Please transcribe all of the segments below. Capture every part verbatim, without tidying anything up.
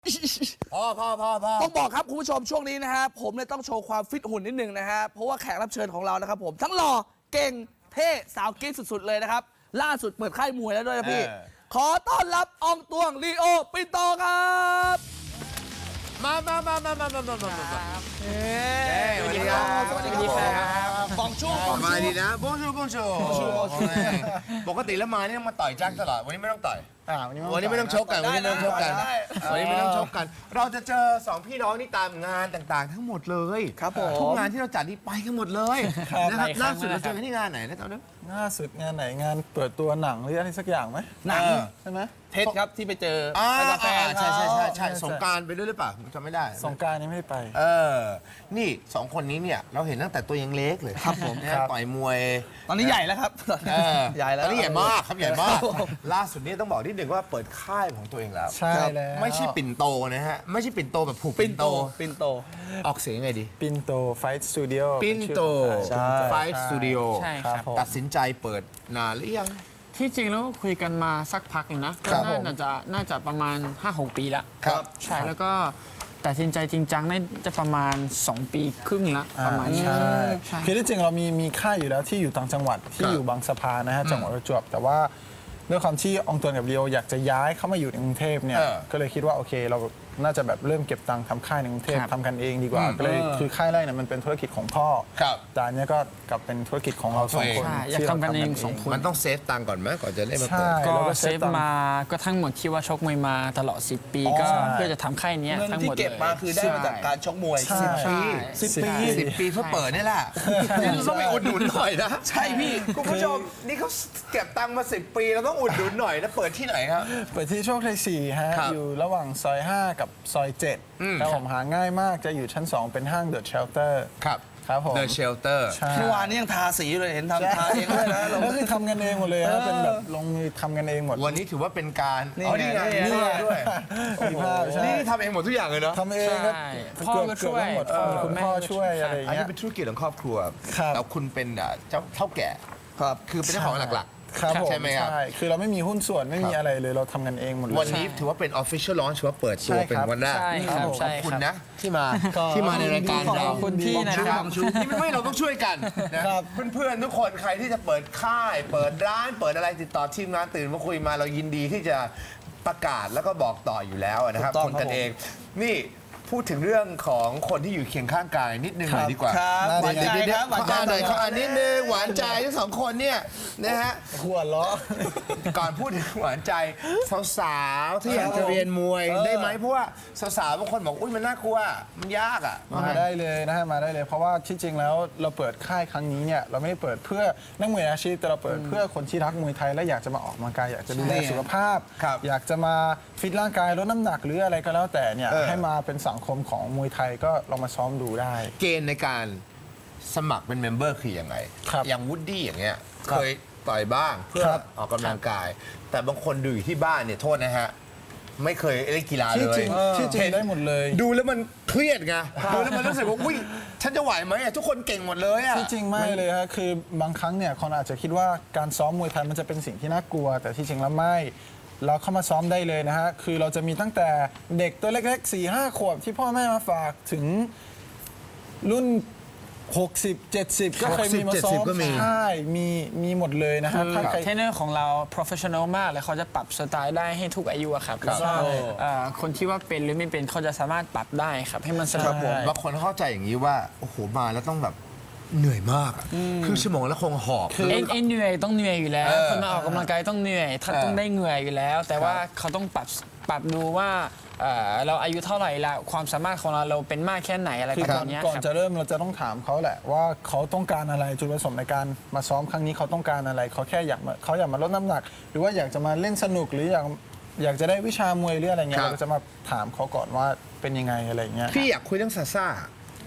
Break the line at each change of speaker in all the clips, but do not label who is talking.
พอพอพอพอ
ต้องบอกครับคุณผู้ชมช่วงนี้นะฮะผมเลยต้องโชว์ความฟิตหุ่นนิดนึงนะฮะเพราะว่าแขกรับเชิญของเรานะครับผมทั้งหล่อเก่งเท่สาวกิ๊กสุดๆเลยนะครับล่าสุดเปิดค่ายมวยแล้วด้วยนะพี่ขอต้อนรับอองตวงลีโอปินโตครับ
มามามามามามามามามาเฮ้ยสวัสดีครับ
สวัสดีครับบองชูบองชู
ดีนะบองชูบองชูปกติแล้วมานี่ต้องมาต่อยแจ็คตลอดวันนี้ไม่ต้องต่อยวันนี้ไม่ต้องชกกันวันนี้ไม่ต้องชกกันวันนี้ไม่ต้องชกกันเราจะเจอสองพี่น้องนี่ตามงานต่างๆทั้งหมดเลย
ครับผม
ทุกงานที่เราจัดนี่ไปกันหมดเลยนะครับล่าสุดเราเจอกันที่งานไหนนะตอนนั้น
ล่าสุดงานไหนงานเปิดตัวหนังหรืออะไรสักอย่างไหม
หนัง
ใช่ไหม
เท็ดครับที่ไปเจอ
กับแฟนใช่ใช่ใช่ใช่สงการไปด้วยหรือเปล่าผมจำไม่ได้
สงการนี้ไม่ได้ไป
เออนี่สองคนนี้เนี่ยเราเห็นตั้งแต่ตัวยังเล็กเลย
ครับผม
ต่อยมวย
ตอนนี้ใหญ่แล้วครับ
ใหญ่แล้วตอนนี้ใหญ่มากครับใหญ่มากล่าสุดนี้ต้องบอกนิดนึงว่าเปิดค่ายของตัวเองแล้ว
ใช่แล้ว
ไม่ใช่ปิ่นโตนะฮะไม่ใช่ปิ่นโตแบบผูก
ปิ่นโตปิ่นโต
ออกเสียงไงดี
ปิ่นโตไฟท์สตูดิโอ
ปิ่นโตไฟท์สตูดิโอ
ใช่ครับ
ตัดสินใจเปิดนานหรือยัง
ที่จริงแล้วคุยกันมาสักพักหนึ่งนะก็น่าจะน่าจะประมาณ ห้าหก ปีแล้ว
ครับ
ใช่แล้วก็ตัดสินใจจริงจังน่าจะประมาณสองปีครึ่งละประมาณนี้
ใช่คือที่จริงเรามีมีค่ายอยู่แล้วที่อยู่ต่างจังหวัดที่อยู่บางสะพานนะฮะจังหวัดประจวบแต่ว่าด้วยความที่อองตวนกับเรียวอยากจะย้ายเข้ามาอยู่ในกรุงเทพเนี่ยก็เลยคิดว่าโอเคเราน่าจะแบบเริ่มเก็บตังค์ทำค่ายในกรุงเทพทำกันเองดีกว่าก็เลยคือค่ายแรกเนี่ยมันเป็นธุรกิจของพ่อแต่อันนี้ก็กลับเป็นธุรกิจของเราสองคน
อยากทำกันเองสองคน
มันต้องเซฟตังค์ก่อนไหมก่อนจะได้มาเปิด
ก็เซฟมาก็ทั้งหมดที่ว่าชกมวยมาตลอดสิบปีก็เพื่อจะทำค่ายนี้ทั้งหมดเลย
เก็บมาคือได้มาจากการชกมวย
สิบปีสิบปีสิบปีเพื่อเปิดนี่แหละนี่ต้องไปอุดหนุนหน่อยนะ
ใช่พี่
คุณผู้ชมนี่เขาเก็บตังค์มาสิบปีเราต้องอุดหนุนหน่อยนะเปิดที่ไหนครับ
เปิดที่โชคชัยสี่ฮะอยู่ระหว่างซอยห้ากับซอยเจ็ดแล้วผมหาง่ายมากจะอยู่ชั้นสองเป็นห้างเดอะเชลเตอร์
ครับ
ครับผม
The Shelter
เมื่อวานนี้ยังทาสีเลยเห็นทำทาเองเลยนะ
เราก็คือทำกันเองหมดเลยนะเป็นแบบลงมือทำกันเองหมด
วันนี้ถือว่าเป็นการ
นี่
นี่ไงนี่ด้วยนี่ทำเองหมดทุกอย่างเลยเนาะ
ทำเองครับ
พ่อก็ช่วย
คุณพ่อช่วยอะไรอย่าง
เงี้ยอันนี้เป็นธุรกิจของครอบครัวแล้วคุณเป็นเจ้าเท่าแก่
ครับ
คือเป็นเจ้าของหลัก
ครับ
ใช่ไหมครับ
ใช่คือเราไม่มีหุ้นส่วนไม่มีอะไรเลยเราทำกันเองหมดเลย
วันนี้ถือว่าเป็น official launch ว่าเปิดตัวเป็นวันแรกขอบคุณนะที่มาที่มาในรายการเรา
ขอบคุณที่นะครับ
ที่ไม่เราต้องช่วยกันนะเพื่อนๆทุกคนใครที่จะเปิดค่ายเปิดร้านเปิดอะไรติดต่อทีมงานตื่นมาคุยมาเรายินดีที่จะประกาศแล้วก็บอกต่ออยู่แล้วนะครับคนกันเองนี่พูดถึงเรื่องของคนที่อยู่เคียงข้างกายนิดนึงหน่อยดีกว่า
หวานใจครับหวานใจ
หน่อยเขาอันนิดนึงหวานใจทั้งสองคนเนี่ยนะฮะ
หัวล้อ
ก่อนพูดถึงหวานใจสาวๆที่อยากจะเรียนมวยได้ไหมเพราะว่าสาวๆบางคนบอกอุ้ยมันน่ากลัวมันยากอ่ะ
มาได้เลยนะฮะมาได้เลยเพราะว่าที่จริงแล้วเราเปิดค่ายครั้งนี้เนี่ยเราไม่ได้เปิดเพื่อนักมวยอาชีพแต่เราเปิดเพื่อคนที่รักมวยไทยและอยากจะมาออกกำลังกายอยากจะดูแลสุขภาพอยากจะมาฟิตร่างกายลดน้ำหนักหรืออะไรก็แล้วแต่เนี่ยให้มาเป็นสังคมของมวยไทยก็ลองมาซ้อมดูได้
เกณฑ์ในการสมัครเป็นเมมเบอร์คือยังไงอย่างวูดดี้อย่างเงี้ยเคยต่อยบ้างเพื่อออกกำลังกายแต่บางคนดูอยู่ที่บ้านเนี่ยโทษนะฮะไม่เคยเล่นกีฬาเลย
ที่จริงได้หมดเลย
ดูแล้วมันเครียดไงดูแล้วมันรู้สึกว่าอุ้ยฉันจะไหวไหมทุกคนเก่งหมดเลยอะ
ที่จริงไม่เลยฮะคือบางครั้งเนี่ยคนอาจจะคิดว่าการซ้อมมวยไทยมันจะเป็นสิ่งที่น่ากลัวแต่ที่จริงแล้วไม่เราเข้ามาซ้อมได้เลยนะฮะคือเราจะมีตั้งแต่เด็กตัวเล็กๆ สี่ห้า ขวบที่พ่อแม่มาฝากถึงรุ่นหกสิบ เจ็ดสิบก็เคยมีมาซ้อมใช่มีมีหมดเลยนะฮะ
เทรนเนอร์ของเรา professional มากเลยเขาจะปรับสไตล์ได้ให้ทุกอายุครับแล้วก็คนที่ว่าเป็นหรือไม่เป็นเขาจะสามารถปรับได้ครับให้มันสนุก
บางคนเข้าใจอย่างนี้ว่าโอ้โหมาแล้วต้องแบบเหนื่อยมากคือชั่วโมงแล้วคงหอบ
เอ็นเหนื่อยต้องเหนื่อยอยู่แล้วคนมาออกกำลังกายต้องเหนื่อยถ้าต้องได้เหนื่อยอยู่แล้วแต่ว่าเขาต้องปรับปรับดูว่าเราอายุเท่าไหร่แล้วความสามารถของเราเราเป็นมากแค่ไหนอะไรแบบนี้
ก่อนจะเริ่มเราจะต้องถามเขาแหละว่าเขาต้องการอะไรจุดประสงค์ในการมาซ้อมครั้งนี้เขาต้องการอะไรเขาแค่อยากมาเขาอยากมาลดน้ำหนักหรือว่าอยากจะมาเล่นสนุกหรืออยากอยากจะได้วิชามวยหรืออะไรเงี้ยเราจะมาถามเขาก่อนว่าเป็นยังไงอะไรเงี้ย
พี่อยากคุยเรื่องซาซ่า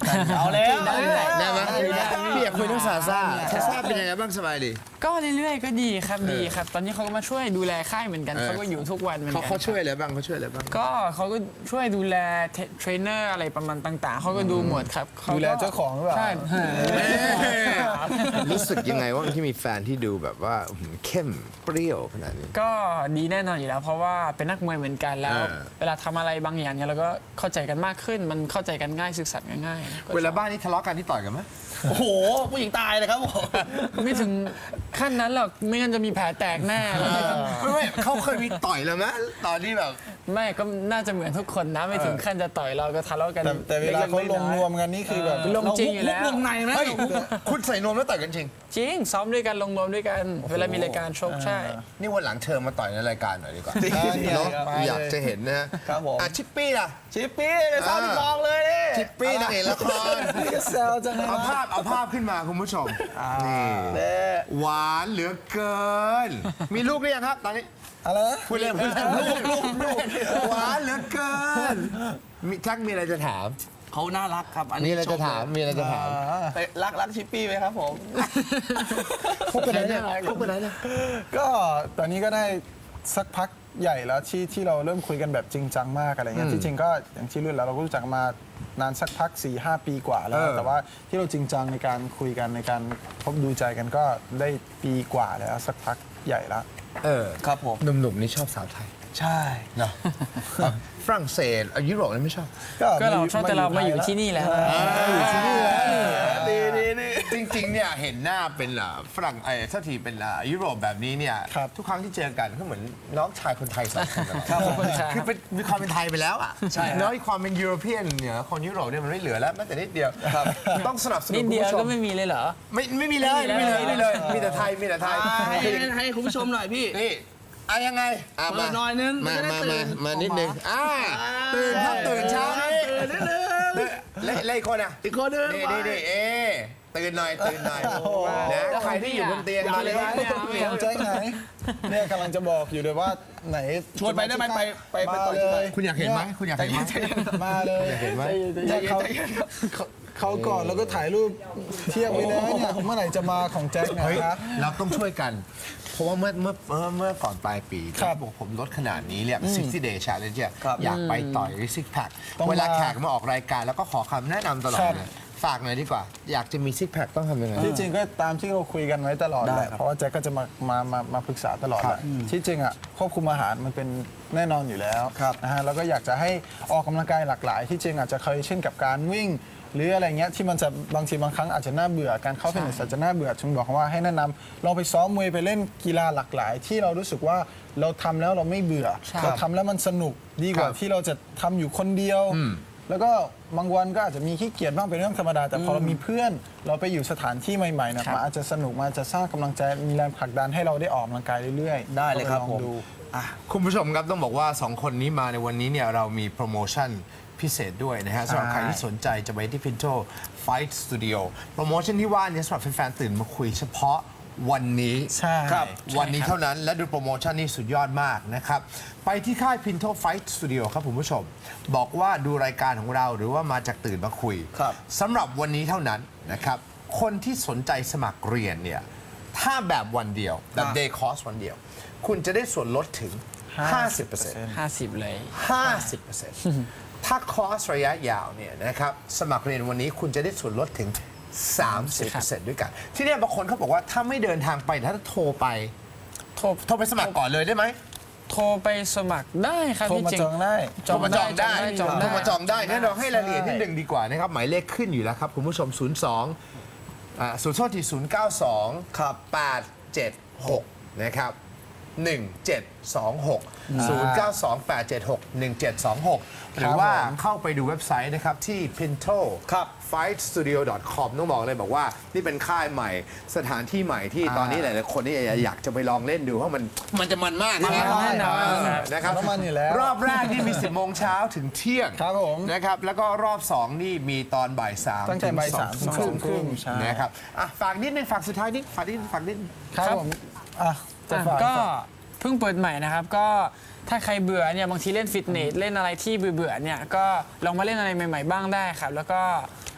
เอาแล้ว
ได้ไหมพี่อยากคุยเรื่องซาซ่าซาซ่าเป็นยังไงบ้างสบายดี
ก็เรื่อยๆก็ดีครับดีครับ ตอนนี้เขาก็มาช่วยดูแลค่ายเหมือนกัน
เออ
เขาก็อยู่ทุกวันเหมือน
เขา
กัน
เขาช่วยอะไรบ้างเขาช่วยอะไรบ้าง
ก็เขาก็ช่วยดูแลเทเทรนเนอร์อะไรประมาณต่างๆเขาก็ดูหมดครับขก็
ดูแลเจ้าของหรือเปล่า
ใช่
รู้สึกยังไงว่าที่มีแฟนที่ดูแบบว่าเข้มเปรี้ยวขนาดนี้
ก็ดีแน่นอนอยู่แล้ว เพราะว่าเป็นนักมวยเหมือนกันแล้ว
เออ
เวลาทำอะไรบางอย่างเนี่ยเราก็เข้าใจกันมากขึ้น มันเข้าใจกันง่ายสื่อสารกันง่ายก็
เวลาบ้านนี้ทะเลาะกันที่ต่อยกันไหม
โอ้โห ผู้หญิงตายเลยครับผม
ไม่ถึงขั้นนั้นหรอกไม่งั้นจะมีแผลแตกแน่แล้ว
ไม่ไม่เขาเคยมีต่อยเลยไหมตอนที่แบบ
ไม่ก็น่าจะเหมือนทุกคนนะไม่ถึงขั้นจะต่อยเราก็ทะเลาะกัน
แต่แต่เวลาเขาลงรวมกันนี่คือแบบ
ลงจริงอยู่แล้ว
ลงในไหม
เฮ้ยคุณใส่นวมแล้วต่อยกันจริง
จริงซ้อมด้วยกันลงรวมด้วยกัน เวลามีรายการชกใช่
นี่วันหลังเชิญมาต่อยในรายการหน่อยดีกว่า
เนี่ย
เนาะ
ครับ
อยากจะเห็นนะฮะ
ครับผม
อ่ะชิปปี้ล่ะ
ชิปปี้เลยซ้อมทองเลยนี่
ชิปปี้นางเอกละคร
นี่ก็แซวจังเลย
เอา
นะ
ภาพเอาภาพขึ้นมาคุณผู้ชมนี่
เน่
หวานเหลือเกิน มีลูกหรือยังครับตอนนี้
อะไรนะ
พูดเล่นพูดเล่นลูกลูกลูกหวานเหลือเกินมีทักมีอะไรจะถาม
เขาน่ารักครับอัน
มี
นี้
อะไรจะถามมีอะไรจะถาม
ไปรักรักชิปปี้ไหมครับผม
พบกันไหนเนี่ยพบกันไหนเนี่ย
ก็ตอนนี้ก็ได้สักพักใหญ่แล้วที่ที่เราเริ่มคุยกันแบบจริงจังมากอะไรเงี้ยที่จริงก็อย่างที่รุ่นแล้วเราก็รู้จักมานานสักพัก4ี่หปีกว่าแล้ว
เออ
แต่ว่าที่เราจริงจังในการคุยกันในการพบดูใจกันก็ได้ปีกว่าแล้วสักพักใหญ่แล้ว
เออ
ครับผม
หนุ่มๆนี่ชอบสาวไทย
ใช่
เนาะฝรั่งเศสอ่ะยุโรปนี่ไม่ชอบ
ก็เราชอบแต่เรามาอยู่ที่นี่แล้ว
อยู่ที่นี่แล้ว
ดีดีดี
จริงๆ เนี่ยเห็นหน้าเป็นอ่ะฝรั่งไอ้ทัทีเป็นอ่ะยุโรปแบบนี้เนี่ย
ครับ
ทุกครั้งที่เจอกันก็เหมือนน้องชายคนไทยสองคนตลอด
ครับผมใช่
คือเป็นมีความเป็นไทยไปแล้วอ่ะ
ใช่
น้อยความเป็นยุโรเปียนเนี่ยคนยุโรปเนี่ยมันไม่เหลือแล้วแม้แต่นิดเดียวต้องสนับสนุ
นิ
น
ด
คุณ
เดียว
ผู้ช
ก็
ม
ไม่มีเลยเหรอ
ไม่ไม่มีเลยไม่มีเลยไม่มีเลยมีแต่ไทยมีแต่ไทย
ให้ให้ให้คุณผู้ชมหน่อยพี่
นี่อ่ะยังไงอ่ะ
เปิดหน่อยนึง
มา
จะได้
มา
ตื่
มาน มานิดนึงอ่าตื่นครับตื่นเช้านี่
ตื่นนิดนึง
เล่เล่คนอ่ะ
อีกคนนึง
นี่นี่นี่เอ๊ะตื่นหน่อยตื่นหน่อยนะใครที่อยู่บนเตียง
อย่า
มาเลย
เลย
นะ
นะ
ของแจ็คไหนเนี่ยกำลังจะบอกอยู่เลยว่าไหน
ชวนไปได้ไหมไปไปไป
มา
ต่อย
เล
ที่ไหน
ย
คุณอยากเห็นไหมคุณอยากเห็นไหม
มาเลย
เห็นไหม
เนี่ยเขาเขาเขาก่อนแล้วก็ถ่ายรูปเทียบไว้แล้วเนี่ยเมื่อไหร่จะมาของแจ็คเน
เฮ้ย
ยครับ
เราต้องช่วยกัน เพราะว่าเมื่อเมื่อเมื่อเมื่อก่อนปลายปี
ครับ
บอกผมลดขนาดนี้เนี่ยสิบ day challenge เนี่ยอยากไปต่อยซิกแพค
ต้องมา
เวลาแขกมาออกรายการแล้วก็ขอคำแนะนำตลอด
ครับ
เลยฝากหน่อยดีกว่า อยากจะมีซิกแพคต้องทำยังไง
ที่จริงก็ตามที่เราคุยกันไว้ตลอดแหละเพราะว่าแจ็คก็จะมามามามาปรึกษาตลอดแหละที่จริงอ่ะควบคุมอาหารมันเป็นแน่นอนอยู่แล้วนะฮะแล้วก็อยากจะให้ออกกำลังกายหลากหลาย ที่จริงอาจจะเคยเช่นกับการวิ่ง หรืออะไรเงี้ยที่มันจะบางทีบางครั้งอาจจะน่าเบื่อการเข้าฟิตเนสอาจจะน่าเบื่อจึงบอกว่าให้แนะนำลองไปซ้อมมวยไปเล่นกีฬาหลากหลาย ที่เรารู้สึกว่าเราทำแล้วเราไม่เบื่อเราทำแล้วมันสนุกดีกว่าที่เราจะทำอยู่คนเดียว แล้วก็บางวันก็อาจจะมีขี้เกียจบ้างเป็นเรื่องธรรมดา แต่พอเรามีเพื่อนเราไปอยู่สถานที่ใหม่ๆนะมันอาจจะสนุกมันอาจจะสร้างกำลังใจมีแรงผลักดันให้เราได้ออกกำลังกายเรื่อยๆ
ได้เลยครับ
ลอง
ผม
ดู
คุณผู้ชมครับต้องบอกว่า สอง คนนี้มาในวันนี้เนี่ยเรามีโปรโมชั่นพิเศษด้วยนะฮะสำหรับใครที่สนใจจะไปที่ Pinto Fight Studio โปรโมชั่นที่ว่าเนี้สำหรับแฟนๆตื่นมาคุยเฉพาะวันนี้
ใช่
ครับวันนี้เท่านั้นและดูโปรโมชั่นนี้สุดยอดมากนะครับ ไปที่ค่าย Pinto Fight Studio ครับคุณผู้ชม บอกว่าดูรายการของเราหรือว่ามาจากตื่นมาคุย
ครับ
สำหรับวันนี้เท่านั้นนะครับ คนที่สนใจสมัครเรียนเนี่ยถ้าแบบวันเดียวแบบ day course วันเดียว คุณจะได้ส่วนลดถึง ห้าสิบเปอร์เซ็นต์
ห้าสิบเลย
ห้าสิบเปอร์เซ็นต์ ถ้าคอร์สระยะยาวเนี่ยนะครับสมัครเรียนวันนี้คุณจะได้ส่วนลดถึง สามสิบเปอร์เซ็นต์ ด้วยกัน ที่เนี่ยบางคนเขาบอกว่าถ้าไม่เดินทางไปถ้าโทรไป
โทร
โทรไปสมัครก่อนเลยได้ไหม
โทรไปสมัครได้ครับ
โทร
ที่
มา
จริง
จองได้
โทรมาจองได้
จอง
โท
ได้
รมาจองได้งั้นเราให้รายละเอียดนิดนึงดีกว่านะครับหมายเลขขึ้นอยู่แล้วครับคุณผู้ชม ศูนย์ สอง อ่าศูนย์โทษทีศูนย์ เก้า สอง
ครับ
แปด เจ็ด หกนะครับหนึ่ง เจ็ด สอง หก ศูนย์ เก้า สอง แปด เจ็ด หก หนึ่ง เจ็ด สอง หก หรือว่าเข้าไปดูเว็บไซต์นะครับที่ pinto
ครับ
fight studio dot com ต้องบอกเลยบอกว่านี่เป็นค่ายใหม่สถานที่ใหม่ที่ตอนนี้หลายๆคนนี่อยากจะไปลองเล่นดูเพราะมันมันจะมันมาก
มัน
นะ
แน่นอน
เออนะครับ
มันมันอยู่แล้ว
รอบแรกนี่มี สิบ โมงเช้าถึงเที่ยง
ครับผม
นะครับแล้วก็รอบสองนี่มีตอนบ่ายสาม
ตั้งแต่บ่ายสาม
ถึง
ถึง
ส
ส
อ
อง ง
ครึ่ง
ใช่
นะครับอ่ะฝากนิดนึงฝากสุดท้ายนิดฝากนิดฝากนิด
ครับผมอ่ะจะ
อ่ะ
ฝาก
ก็เพิ่งเปิดใหม่นะครับ ก็ถ้าใครเบื่อเนี่ยบางทีเล่นฟิตเนสเล่นอะไรที่เบื่อๆเนี่ยก็ลองมาเล่นอะไรใหม่ ๆ บ้างได้ครับ แล้วก็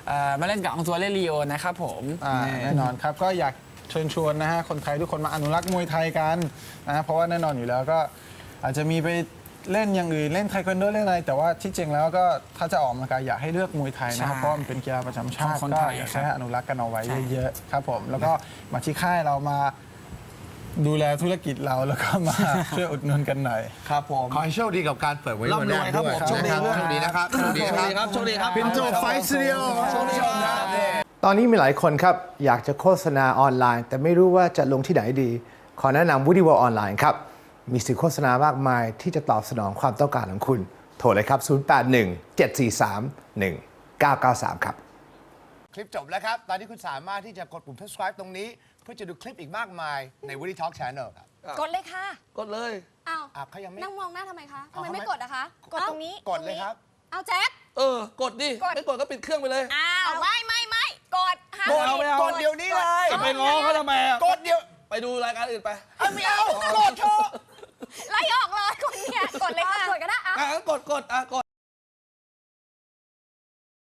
เอ่อมาเล่นกับองตัวเล่ลีโอนะครับผม
อ่าแน่นอนครับก็อยากเชิญชวนนะฮะคนไทยทุกคนมาอนุรักษ์มวยไทยกันนะเพราะว่าแน่นอนอยู่แล้วก็อาจจะมีไปเล่นอย่างอื่นเล่นไทควันโดเล่นอะไรแต่ว่าที่จริงแล้วก็ถ้าจะออกกำลังกายอยากให้เลือกมวยไทยนะครับ
ใช่
เพราะว่ามันเป็นกีฬาประจำชาติ
ของคน
ก็
ไทย
อยาก
ครับ
ให้อนุรักษ์กันเอาไว้
ใช่
เยอะๆครับผมแล้วก็มาที่ค่ายเรามาดูแลธุรกิจเราแล้วก็มา ช่วยอุดหนุนกันหน่อย
ครับผม
ขอให้โชคดีกับการเปิดไว้
ร่ำรวยครับผม
โชคดีครับโชคดีนะครับโชคดีนะครับ
โชคดีครับ
พินโตไฟสตูดิโอ
โชคดีครับ
ตอนนี้มีหลายคนครับ อยากจะโฆษณาออนไลน์ แต่ไม่รู้ว่าจะลงที่ไหนดี ขอแนะนำ Woody World ออนไลน์ครับ มีสื่อโฆษณามากมายที่จะตอบสนองความต้องการของคุณ โทรเลยครับ ศูนย์ แปด หนึ่ง เจ็ด สี่ สาม หนึ่ง เก้า เก้า สาม ครับ คลิปจบแล้วครับ ตอนนี้คุณสามารถที่จะกดปุ่ม subscribe ตรงนี้ เพื่อจะดูคลิปอีกมากมายใน Woody Talk Channel ครับ
กดเลยค่ะ
กดเลย
อ้าว
อ่ะเขายังไม่
นั่งมองหน้าทำไมคะทำ
เอา
ไม
ทำไม
ไม่กดอะคะ กดตรงนี้
กดเลยครับ
เอาแจ็ค
เออ กดดิ
กด
ไม่กดก็ปิดเครื่องไปเลย
อ้าวไม่ไม่ไม่กดห้าม
กดเอาไม่เอา
กดเดี๋ยวนี้เลย
จะไปง้อเขาทำไมอะ
กดเดี๋ยว
ไปดูรายการอื่นไป
เอาไม่เอากดเถอะ
ไล่ออกเลยคนเนี่ยกดเลยค่ะ กดก็ได้
อ่ะงั้นกดกดอ่ะกด